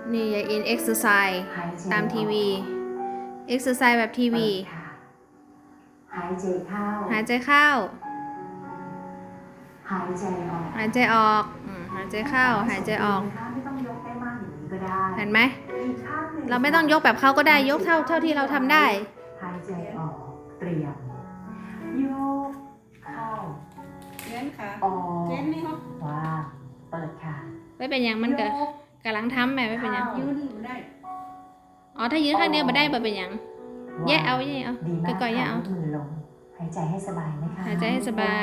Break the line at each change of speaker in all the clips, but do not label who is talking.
นี่ยายอินเอ็กซ์ไซส์ตามทีวีเอ็กซ์ไซส์แบบทีวี
หายใจเข้า
หายใจเข้า
หายใจออก
หายใจออกหายใจเข้าหายใจออก
ไม่ต้องยกได้มากอย่างนี้ก็ได้
เห็นไหม
อีกข้างหนึ่ง
เราไม่ต้องยกแบบเขาก็ได้ยกเท่าที่เราทำได้
หายใจออกเตรียมยกเข้า
เล่นค่ะ
ออก
เล่นนี่ครับ
วางเปิดค่ะ
ไม่เป็นอย่างมันกำลังทำแม่ไม่เป็นอย่าง
ยืนอยู่ได้
อ๋อถ้ายืนข้างเดียวมาได้บ่เป็นอย่างแยกเอาแยกเอา
ดีมาก
ก่อยๆแยกเอา
มือลงหายใจให้สบายนะคะ
หายใจให้สบาย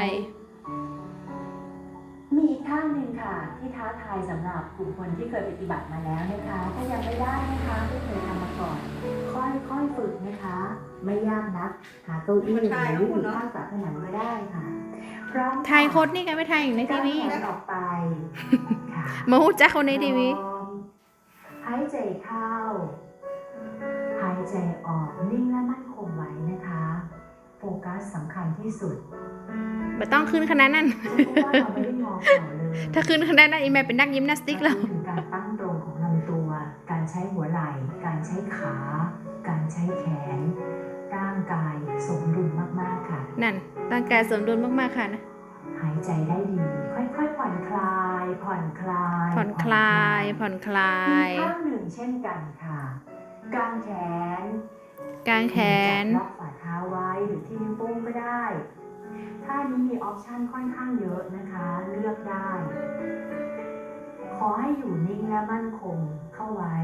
มีอีกท่าหนึ่งค่ะที่ท้าทายสำหรับกลุ่มคนที่เคยปฏิบัติมาแล้วนะคะถ้ายังไม่ได้นะคะไม่เคยทำมาก่อนค่อยๆฝึกนะคะไม่ยากนักหาเก้าอี้หรืออยู่ข้างฝาผนังก็ได้ค่ะพร้อม
ไทยโคตรนี่กันไม่ไทยอยู่ในทีวี
แขนออกไปค่ะ
มาหูจักคนในทีวี
หายใจเข้าหายใจออกนิ่งและมั่นคงไว้นะคะโฟกัสสำคัญที่สุด
ไม่ต้องขึ้นขนาดนั้น
เพราะว่าเราไม่ได้มองเขาเลย
ถ้าขึ้นขนาดนั้นอีแม่เป็นนักยิมนาสติกแล้ว
ถึงการตั้งตรงของลำตัว การใช้หัวไหล่ การใช้ขา การใช้แขน ร่างกายสมดุลมากๆค่ะ
นั่นร่างกายสมดุลมากๆค่ะนะ
หายใจได้ดี ค่อยๆผ่อนคลาย ผ่อนคลาย
ผ่อนคลายผ่อนคลาย
อีกข้างหนึ่งเช่นกันค่ะกางแขน
กางแขน
จับล็อกฝ่าเท้าไว้หรือที่นิ้วโป้งก็ได้ท่านี้มีออปชันค่อนข้างเยอะนะคะ เลือกได้ ขอให้อยู่นิ่งและมั่นคงเข้าไว้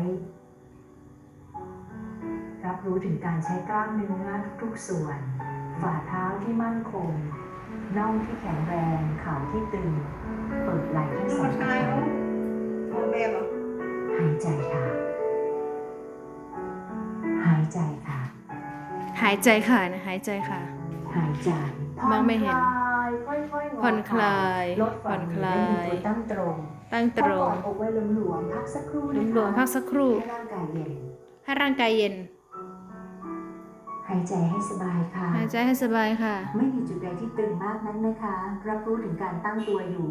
รับรู้ถึงการใช้กล้ามเนื้อทุกๆส่วน ฝ่าเท้าที่มั่นคง น่องที่แข็งแรง เข่าที่ตึง เปิดไหล่ทั้งสอง
ชาย
ข้าง
โอแบบอ่ะ
หายใจค่ะ หายใจค่ะ
หายใจค่ะนะหายใจค่ะ
หายใจ
มองไม่เห็น
ค่อยๆ
ผ่อนคลาย
ลดฝ่ามือ
ผ่อนคลาย
ให้มีตัวตั้งตรง
ตั้งตรง
กอดอกไว้หลวมๆพักสักครู่
ห
นะคะ
ลวมๆพักสักครู่
ให้ร่างกายเย็น
ให้ร่างกายเย็น
หายใจให้สบายค่ะ
หายใจให้สบายค่ะ
ไม่มีจุดใดที่ตึงมากนั้นนะคะ รับรู้ถึงการตั้งตัวอยู่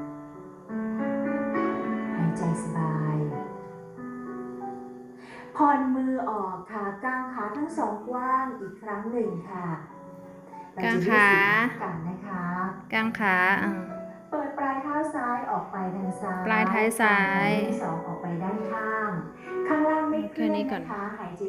หายใจสบาย ผ่อนมือออกค่ะ กางขาทั้งสองกว้างอีกครั้งหนึ่งค่ะ
กางขา
เรจะยืดกันนะคะ
กางขา
เปิดปลายเท้าซ้ายออกไปทางซ้าย
ปลายเท้าซ้าย
กางแขนทั้งสองออกไปด้านข้าง ข้างล่างไม่เคลื่อน
แค่นี้ก่อน
นะคะหายใจ